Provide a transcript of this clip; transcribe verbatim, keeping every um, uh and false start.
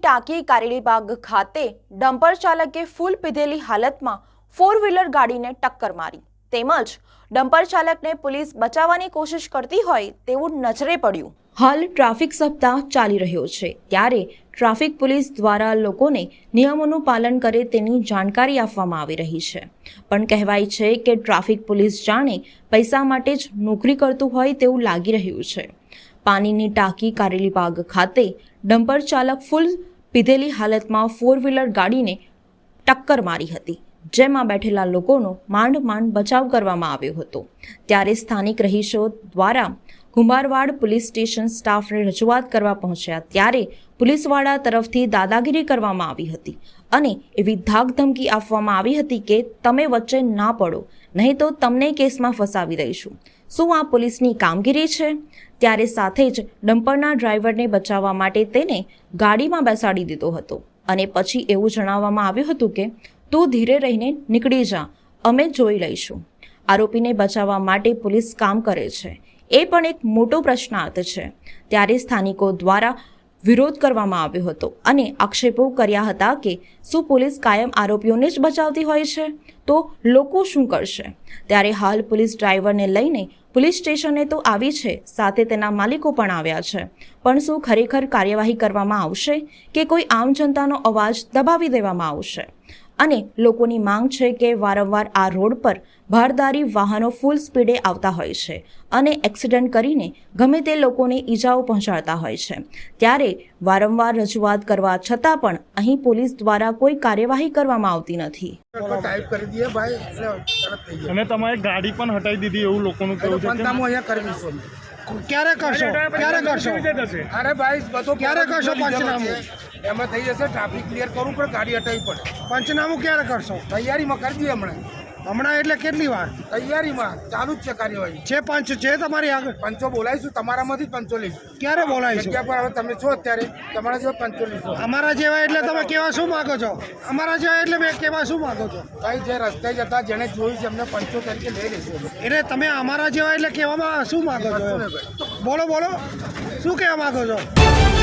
ટાંકી કારેલીબાગ ખાતે ડમ્પર ચાલકે ફૂલ પીધેલી હાલતમાં ફોર વ્હીલર ગાડીને ટક્કર મારી તેમજ ડમ્પર ચાલકને પોલીસ બચાવવાની કોશિશ કરતી હોય તેવું નજરે પડ્યું। હાલ ટ્રાફિક સપ્તાહ ચાલી રહ્યો છે ત્યારે ટ્રાફિક પોલીસ દ્વારા લોકોને નિયમોનું પાલન કરે તેની જાણકારી આપવામાં આવી રહી છે, પણ કહેવાય છે કે ટ્રાફિક પોલીસ જાણે પૈસા માટે જ નોકરી કરતું હોય તેવું લાગી રહ્યું છે। પાણીની ટાંકી કારેલીબાગ ખાતે ડમ્પર ચાલક ફૂલ પીધેલી હાલતમાં ફોર વ્હીલર ગાડીને ટક્કર મારી હતી, જેમાં બેઠેલા લોકોનો માંડ માંડ બચાવ કરવામાં આવ્યો હતો। ત્યારે સ્થાનિક રહીશો દ્વારા કુંભારવાડ પોલીસ સ્ટેશન સ્ટાફને રજૂઆત કરવા પહોંચ્યા ત્યારે પોલીસવાળા તરફથી દાદાગીરી કરવામાં આવી હતી અને એવી ધાકધમકી આપવામાં આવી હતી કે તમે વચ્ચે ના પડો, નહીં તો તમને કેસમાં ફસાવી દઈશું। શું આ પોલીસની કામગીરી છે? ત્યારે સાથે જ ડમ્પરના ડ્રાઈવરને બચાવવા માટે તેને ગાડીમાં બેસાડી દીધો હતો અને પછી એવું જણાવવામાં આવ્યું હતું કે તું ધીરે રહીને નીકળી જા, અમે જોઈ લઈશું। આરોપીને બચાવવા માટે પોલીસ કામ કરે છે એ પણ એક મોટો પ્રશ્નાર્થ છે। ત્યારે સ્થાનિકો દ્વારા વિરોધ કરવામાં આવ્યો હતો અને આક્ષેપો કર્યા હતા કે શું પોલીસ કાયમ આરોપીઓને જ બચાવતી હોય છે તો લોકો શું કરશે? ત્યારે હાલ પોલીસ ડ્રાઈવરને લઈને પોલીસ સ્ટેશને તો આવી છે, સાથે તેના માલિકો પણ આવ્યા છે, પણ શું ખરેખર કાર્યવાહી કરવામાં આવશે કે કોઈ આમ જનતાનો અવાજ દબાવી દેવામાં આવશે? અને લોકોની માંગ છે કે વારંવાર આ રોડ પર ભારદારી વાહનો ફૂલ સ્પીડે આવતા હોય છે અને એક્સિડન્ટ કરીને ગમે તે લોકોને ઈજાઓ પહોંચાડતા હોય છે। ત્યારે વારંવાર રજૂઆત કરવા છતાં પણ અહીં પોલીસ દ્વારા કોઈ કાર્યવાહી કરવામાં આવતી નથી। ટાઈપ કરી દઈએ ભાઈ એટલે તરત થઈ જાય અને તમારી ગાડી પણ હટાવી દીધી એવું લોકોનું કહેવું છે। પંચામું અહીંયા કરવીશું ક્યારે કરશો ક્યારે કરશો અરે ભાઈ બધો ક્યારે કરશો પંચનામું? એમાં થઈ જશે, ટ્રાફિક ક્લિયર કરવું પડે, ગાડી હટાવી પડે। પંચનામું ક્યારે કરશો? તૈયારીમાં કરી દઈએ હમણાં। હમણાં એટલે કેટલી વાર? તૈયારીમાં ચાલુ જ છે કાર્યવાહી। છે પંચ છે તમારી આગળ? પંચો બોલાવીશું, તમારામાંથી જ પંચો લઈશું। ક્યારે બોલાવીશું? જગ્યા પર હવે તમે છો અત્યારે, તમારા જેવા પંચો લઈશું। અમારા જેવા એટલે તમે કેવા શું માંગો છો? અમારા જેવા એટલે મેં કેવા શું માંગો છો? ભાઈ જે રસ્તે જતા જેને જોયું છે એમને પંચો તરીકે લઈ લઈશું। એટલે તમે અમારા જેવા એટલે કહેવામાં શું માંગો છો? બોલો બોલો, શું કહેવા માંગો છો?